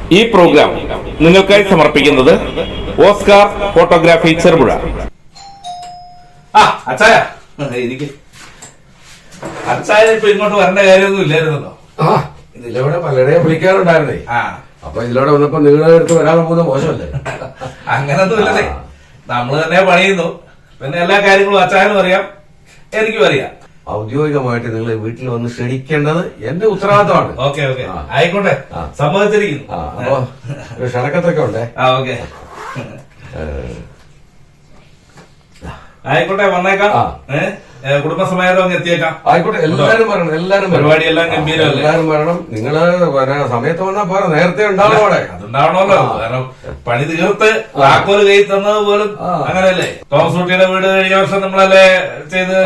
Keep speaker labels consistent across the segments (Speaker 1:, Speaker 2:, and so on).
Speaker 1: ഈ പ്രോഗ്രാം നിങ്ങൾക്കായി സമർപ്പിക്കുന്നത് ഓസ്കാർ ഫോട്ടോഗ്രാഫി ചെറുപുഴ.
Speaker 2: അച്ചായ എനിക്ക് അച്ചായ ഇപ്പൊ ഇങ്ങോട്ട് വരേണ്ട കാര്യമൊന്നും ഇല്ലായിരുന്നല്ലോ.
Speaker 3: ഇതിലൂടെ പലരെയും വിളിക്കാറുണ്ടായിരുന്നേ. അപ്പൊ ഇതിലൂടെ വന്നപ്പോ നിങ്ങളുടെ അടുത്ത് വരാൻ പോകുന്ന മോശമല്ലേ?
Speaker 2: അങ്ങനൊന്നും ഇല്ലല്ലേ, നമ്മള് തന്നെ പണിയുന്നു. പിന്നെ എല്ലാ കാര്യങ്ങളും അച്ചായനും അറിയാം, എനിക്കും അറിയാം.
Speaker 3: ഔദ്യോഗികമായിട്ട് നിങ്ങൾ വീട്ടിൽ വന്ന് ക്ഷണിക്കേണ്ടത് എന്റെ ഉത്തരവാദിത്തമാണ്.
Speaker 2: ഓക്കെ ഓക്കെ, ആയിക്കോട്ടെ, സമ്മതിച്ചിരിക്കുന്നു.
Speaker 3: അപ്പൊ ഒരു ക്ഷണക്കത്തൊക്കെ ഉണ്ടേ.
Speaker 2: ഓക്കെ ആയിക്കോട്ടെ, വന്നേക്കാം. കുടുംബസമേതം അങ്ങ് എത്തിയേക്കാം.
Speaker 3: ആയിക്കോട്ടെ, എല്ലാരും വരണം. എല്ലാരും
Speaker 2: പരിപാടിയെല്ലാം ഗംഭീരമല്ലേ?
Speaker 3: എല്ലാരും വരണം. നിങ്ങള് സമയത്ത് വന്നാ പോരാ, നേരത്തെ ഉണ്ടാവണം. അവിടെ
Speaker 2: അതുണ്ടാവണമല്ലോ, കാരണം പണി തീർത്ത് താക്കോല് കൈ തന്നത് പോലും അങ്ങനെയല്ലേ. തോമസ് കുട്ടിയുടെ വീട് കഴിഞ്ഞ വർഷം നമ്മളല്ലേ ചെയ്ത്.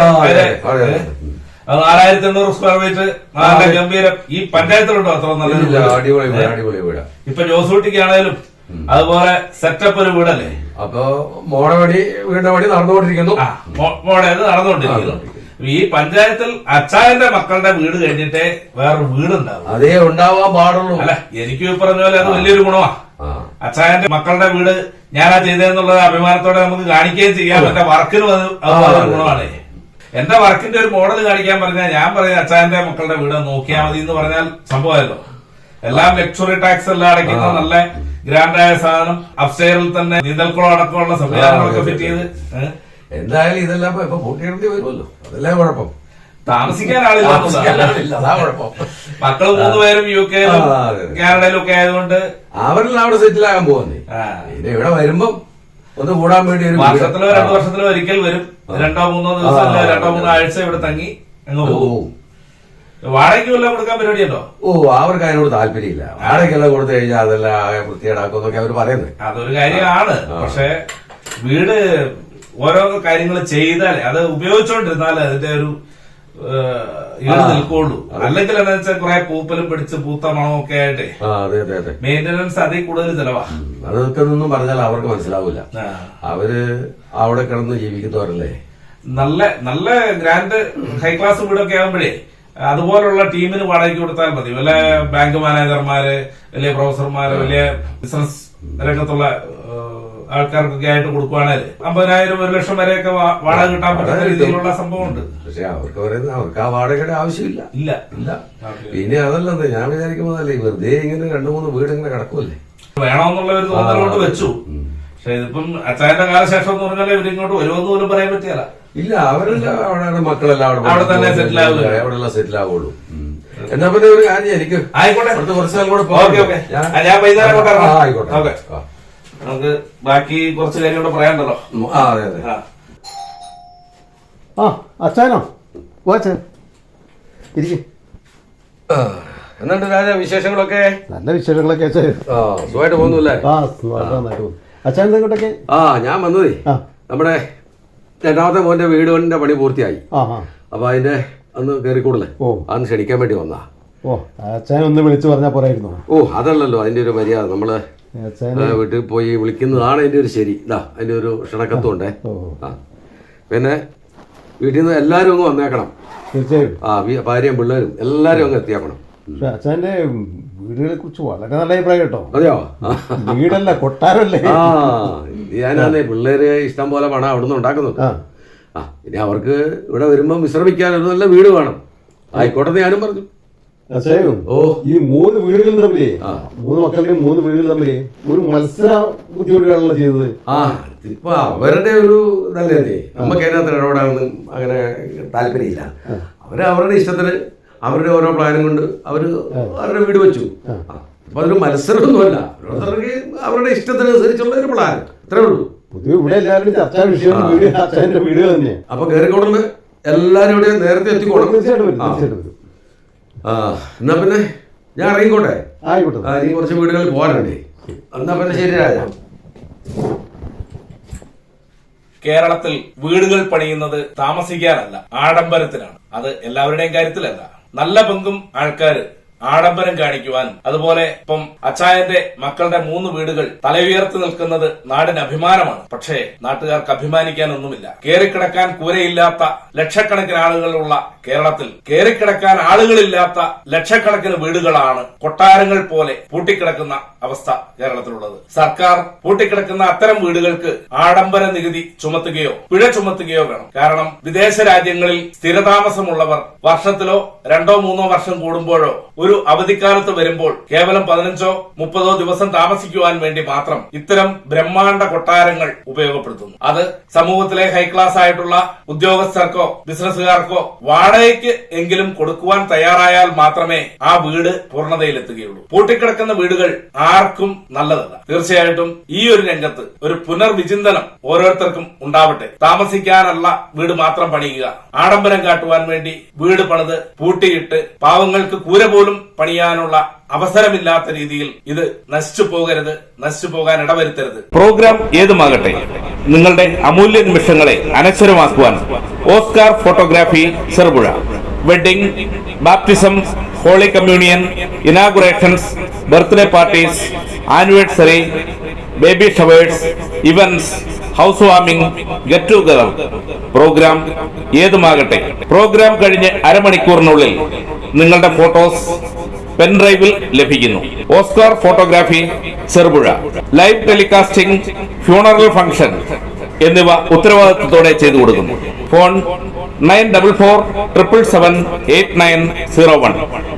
Speaker 2: അത് 4800 സ്ക്വയർ ഫീറ്റ്, നല്ല ഗംഭീരം. ഈ പഞ്ചായത്തിലുണ്ടോ അത്ര നല്ല
Speaker 3: അടിപൊളി വീട്?
Speaker 2: ഇപ്പൊ ജോസൂട്ടിക്കാണേലും അതുപോലെ സെറ്റപ്പ് ഒരു വീടല്ലേ.
Speaker 3: അപ്പൊ വീടിന്റെ പണി നടന്നുകൊണ്ടിരിക്കുന്നു.
Speaker 2: മോഡേത് നടന്നുകൊണ്ടിരിക്കുന്നു. ഈ പഞ്ചായത്തിൽ അച്ചായന്റെ മക്കളുടെ വീട് കഴിഞ്ഞിട്ടേ വേറൊരു വീടുണ്ടാവും.
Speaker 3: അതേ ഉണ്ടാവാൻ പാടുള്ളൂ.
Speaker 2: അല്ല, എനിക്ക് പറഞ്ഞ പോലെ അത് വലിയൊരു ഗുണമാണ്. അച്ചായന്റെ മക്കളുടെ വീട് ഞാനാ ചെയ്തതെന്നുള്ളത് അഭിമാനത്തോടെ നമുക്ക് കാണിക്കുകയും ചെയ്യാം. എന്റെ വർക്കിനും അത് ഗുണമാണ്. എന്റെ വർക്കിന്റെ ഒരു മോഡൽ കാണിക്കാൻ പറഞ്ഞാൽ ഞാൻ പറയുന്നത് അച്ചായന്റെ മക്കളുടെ വീട് നോക്കിയാൽ മതി എന്ന് പറഞ്ഞാൽ സംഭവമല്ലോ. എല്ലാം ലക്ഷറി ടാക്സ് എല്ലാം അടയ്ക്കുന്ന നല്ല ഗ്രാൻഡായ സാധനം, അപ്സ്റ്റെയറിൽ തന്നെ നീന്തൽക്കുളം അടക്കമുള്ള സംവിധാനങ്ങളൊക്കെ ഫിറ്റ് ചെയ്ത്.
Speaker 3: എന്തായാലും ഇതെല്ലാം ഇപ്പൊ പൂട്ടിയിടേണ്ടി വരുമല്ലോ, അതല്ലേ കുഴപ്പം.
Speaker 2: താമസിക്കാൻ ആളില്ല,
Speaker 3: അതാ കുഴപ്പം.
Speaker 2: മക്കള് 3 പേരും UK-യിലും കാനഡയിലും ഒക്കെ ആയതുകൊണ്ട്
Speaker 3: അവരെല്ലാം അവിടെ സെറ്റിൽ ആകാൻ പോകുന്നേ. ഇത് ഇവിടെ വരുമ്പം ഒന്ന് കൂടാൻ വേണ്ടി
Speaker 2: വർഷത്തിലോ 2 വർഷത്തിലോ ഒരിക്കൽ വരും. 2-3 ദിവസം അല്ല 2-3 ആഴ്ച ഇവിടെ തങ്ങി അങ്ങ് പോകും. വാടകയ്ക്ക് വല്ലതും കൊടുക്കാൻ പരിപാടിയുണ്ടോ?
Speaker 3: അവർക്ക് അതിനോട് താല്പര്യമില്ല. വാടകയ്ക്കെല്ലാം കൊടുത്തു കഴിഞ്ഞാൽ അതെല്ലാം ആകെ വൃത്തിയേടാക്കും എന്നൊക്കെ അവർ പറയുന്നത്.
Speaker 2: അതൊരു കാര്യമാണ്. പക്ഷെ വീട് ഓരോ കാര്യങ്ങൾ ചെയ്താലേ, അത് ഉപയോഗിച്ചോണ്ടിരുന്നാലേ അതിന്റെ ഒരു ഈട് നിൽക്കുള്ളൂ. അല്ലെങ്കിൽ എന്താ വെച്ചാൽ കുറെ പൂപ്പലും പിടിച്ച് പൂത്ത മണവും ഒക്കെ ആയിട്ടേ മെയിന്റനൻസ് അതിൽ കൂടുതൽ ചെലവാ.
Speaker 3: അതൊക്കെ ഒന്നും പറഞ്ഞാൽ അവർക്ക് മനസ്സിലാവില്ല. അവര് അവിടെ കിടന്ന് ജീവിക്കുന്നവരല്ലേ.
Speaker 2: നല്ല നല്ല ഗ്രാൻഡ് ഹൈ ക്ലാസ് വീടൊക്കെ ആകുമ്പോഴേ അതുപോലുള്ള ടീമിന് വാടകയ്ക്ക് കൊടുത്താൽ മതി. വല്ല ബാങ്ക് മാനേജർമാര്, വലിയ പ്രൊഫസർമാര്, വലിയ ബിസിനസ് രംഗത്തുള്ള ആൾക്കാർക്കൊക്കെ ആയിട്ട് കൊടുക്കുവാണെങ്കിൽ 50,000 1 ലക്ഷം വരെയൊക്കെ വാടക കിട്ടാൻ പറ്റുന്ന രീതിയിലുള്ള സംഭവമുണ്ട്.
Speaker 3: പക്ഷെ അവർക്ക് ആ വാടകയുടെ ആവശ്യമില്ല.
Speaker 2: ഇല്ല.
Speaker 3: പിന്നെ അതല്ലെന്ന് ഞാൻ വിചാരിക്കുന്നതല്ലേ, വെറുതെ ഇങ്ങനെ 2-3 വീട് ഇങ്ങനെ കിടക്കുമല്ലേ,
Speaker 2: വേണമെന്നുള്ള ഒരു തോന്നലോട്ട് വെച്ചു. പക്ഷെ ഇതിപ്പം അച്ചായന്റെ കാലശേഷം എന്ന് പറഞ്ഞാൽ ഇവരിങ്ങോട്ട് വരുമെന്ന് പോലും പറയാൻ പറ്റിയല്ല.
Speaker 3: ഇല്ല, അവരെല്ലാം അവിടെ മക്കളെല്ലാം
Speaker 2: അവിടെ തന്നെ സെറ്റിൽ ആവുള്ളൂ.
Speaker 3: അവിടെല്ലാം സെറ്റിൽ ആവുള്ളൂ. എന്നാ പിന്നെ ഒരു കാര്യം, എനിക്ക്
Speaker 2: ആയിക്കോട്ടെ,
Speaker 3: അടുത്ത കുറച്ച് നാൾ കൂടെ
Speaker 2: ഞാൻ വൈകുന്നേരം
Speaker 3: ആയിക്കോട്ടെ.
Speaker 2: നമുക്ക് ബാക്കി കുറച്ച് കാര്യം കൂടെ പറയാനുണ്ടല്ലോ.
Speaker 3: അതെ അതെ.
Speaker 4: അച്ഛനോ ഇരിക്കും.
Speaker 3: എന്നുണ്ട് രാജ, വിശേഷങ്ങളൊക്കെ?
Speaker 4: നല്ല വിശേഷങ്ങളൊക്കെ.
Speaker 3: സുഖമായിട്ട് പോകുന്നില്ലേ?
Speaker 4: അച്ഛൻ എന്തെങ്കിലൊക്കെ?
Speaker 3: ഞാൻ വന്നതേ, നമ്മുടെ 2ാമത്തെ മോന്റെ വീടിന്റെ പണി പൂർത്തിയായി. അപ്പൊ അതിന്റെ അന്ന് കയറിക്കൂടല്ലേ, അന്ന് ക്ഷണിക്കാൻ വേണ്ടി വന്നാ.
Speaker 4: അച്ഛൻ ഒന്ന് വിളിച്ചു പറഞ്ഞാൽ പോരായിരുന്നു?
Speaker 3: അതല്ലല്ലോ അതിന്റെ ഒരു മര്യാദ. നമ്മള് വീട്ടിൽ പോയി വിളിക്കുന്നതാണ് അതിന്റെ ഒരു ശരി. അതിന്റെ ഒരു ക്ഷണക്കത്തും ഉണ്ടേ. പിന്നെ വീട്ടിൽ നിന്ന് എല്ലാരും അങ്ങ് വന്നേക്കണം.
Speaker 4: തീർച്ചയായും
Speaker 3: ഭാര്യയും പിള്ളേരും എല്ലാരും അങ്ങ് എത്തിയാക്കണം.
Speaker 4: അച്ഛന്റെ വീടുകളെ കുറിച്ച് വളരെ നല്ല അഭിപ്രായം കേട്ടോ.
Speaker 3: അതെയോ?
Speaker 4: വീടല്ല, കൊട്ടാരല്ലേ.
Speaker 3: ഞാനേ പിള്ളേര് ഇഷ്ടം പോലെ പണം അവിടുന്ന് ഉണ്ടാക്കുന്നുണ്ട്. ഇനി അവർക്ക് ഇവിടെ വരുമ്പോ വിശ്രമിക്കാൻ ഒരു നല്ല വീട് വേണം. ആയിക്കോട്ടെ ഞാനും പറഞ്ഞു.
Speaker 4: ഈ 3 വീടുകൾ തമ്മിലേ, 3 മക്കളുടെയും 3 വീടുകൾ തമ്മിലേ ഒരു മത്സര ബുദ്ധിമുട്ടുകളാണല്ലോ ചെയ്തത്.
Speaker 3: ഇപ്പൊ അവരുടെ ഒരു ഇതല്ലേ, നമുക്ക് അതിനകത്ത് ഇടപെടാനൊന്നും അങ്ങനെ താല്പര്യമില്ല. അവരുടെ ഇഷ്ടത്തിന് അവരുടെ ഓരോ പ്ലാനും കൊണ്ട് അവരുടെ വീട് വെച്ചു. അപ്പൊ അതൊരു മത്സരമൊന്നുമല്ല, ഓരോരുത്തർക്ക് അവരുടെ ഇഷ്ടത്തിനനുസരിച്ചുള്ള ഒരു പ്ലാൻ, അത്രേ ഉള്ളൂ.
Speaker 4: പൊതുവെ ഇവിടെ എല്ലാവരും ചർച്ചാ വിഷയം അച്ഛന്റെ വീട് തന്നെ.
Speaker 3: അപ്പൊ കയറിക്കോടുന്ന് എല്ലാരും ഇവിടെ നേരത്തെ എത്തിക്കോളും. എന്നാ പിന്നെ ഞാൻ ഇറങ്ങിക്കോട്ടെ.
Speaker 4: ആയിക്കോട്ടെ.
Speaker 3: ഇനി കുറച്ച് വീടുകളിൽ പോകാനുണ്ടേ. എന്നാ പിന്നെ ശരി രാജ.
Speaker 2: കേരളത്തിൽ വീടുകൾ പണിയുന്നത് താമസിക്കാനല്ല, ആഡംബരത്തിനാണ്. അത് എല്ലാവരുടെയും കാര്യത്തിലല്ല. നല്ല പങ്കും ആൾക്കാര് ആഡംബരം കാണിക്കുവാനും അതുപോലെ ഇപ്പം അച്ചായന്റെ മക്കളുടെ 3 വീടുകൾ തലയുയർത്തി നിൽക്കുന്നത് നാടിന് അഭിമാനമാണ്. പക്ഷേ നാട്ടുകാർക്ക് അഭിമാനിക്കാനൊന്നുമില്ല. കേറിക്കിടക്കാൻ കൂരയില്ലാത്ത ലക്ഷക്കണക്കിന് ആളുകളുള്ള കേരളത്തിൽ കേറിക്കിടക്കാൻ ആളുകളില്ലാത്ത ലക്ഷക്കണക്കിന് വീടുകളാണ് കൊട്ടാരങ്ങൾ പോലെ പൂട്ടിക്കിടക്കുന്ന അവസ്ഥ കേരളത്തിലുള്ളത്. സർക്കാർ പൂട്ടിക്കിടക്കുന്ന അത്തരം വീടുകൾക്ക് ആഡംബര നികുതി ചുമത്തുകയോ പിഴ ചുമത്തുകയോ വേണം. കാരണം വിദേശ രാജ്യങ്ങളിൽ സ്ഥിരതാമസമുള്ളവർ വർഷത്തിലോ 2-3 വർഷം കൂടുമ്പോഴോ ഒരു അവധിക്കാലത്ത് വരുമ്പോൾ കേവലം 15-30 ദിവസം താമസിക്കുവാൻ വേണ്ടി മാത്രം ഇത്തരം ബ്രഹ്മാണ്ഡ കൊട്ടാരങ്ങൾ ഉപയോഗപ്പെടുത്തുന്നു. അത് സമൂഹത്തിലെ ഹൈക്ലാസ് ആയിട്ടുള്ള ഉദ്യോഗസ്ഥർക്കോ ബിസിനസ്സുകാർക്കോ വാടകയ്ക്ക് എങ്കിലും കൊടുക്കുവാൻ തയ്യാറായാൽ മാത്രമേ ആ വീട് പൂർണ്ണതയിലെത്തുകയുള്ളൂ. പൂട്ടിക്കിടക്കുന്ന വീടുകൾ ആർക്കും നല്ലതല്ല. തീർച്ചയായിട്ടും ഈ ഒരു രംഗത്ത് ഒരു പുനർവിചിന്തനം ഓരോരുത്തർക്കും ഉണ്ടാവട്ടെ. താമസിക്കാനല്ല വീട് മാത്രം പണിയുക, ആഡംബരം കാട്ടുവാൻ വേണ്ടി വീട് പണിത് പൂട്ടിയിട്ട് പാവങ്ങൾക്ക് കൂര പോലും പണിയാനുള്ള അവസരമില്ലാത്ത രീതിയിൽ ഇത് നശിച്ചു പോകരുത്, നശിച്ചു പോകാൻ ഇടവരുത്തരുത്.
Speaker 1: പ്രോഗ്രാം ഏതുമാകട്ടെ, നിങ്ങളുടെ അമൂല്യ നിമിഷങ്ങളെ അനശ്വരമാക്കുവാൻ Oscar photography Cherupuzha. Wedding, baptism, holy communion, inaugurations, birthday parties, anniversary, baby showers, events, house warming, get together. Programme ഏതുമാകട്ടെ, പ്രോഗ്രാം കഴിഞ്ഞ് അരമണിക്കൂറിനുള്ളിൽ നിങ്ങളുടെ ഫോട്ടോസ് പെൻഡ്രൈവിൽ ലഭിക്കുന്നു. Oscar photography Cherupuzha. Live telecasting, funeral function എന്നിവ ഉത്തരവാദിത്വത്തോടെ ചെയ്തു കൊടുക്കുന്നു. ഫോൺ 9447778901.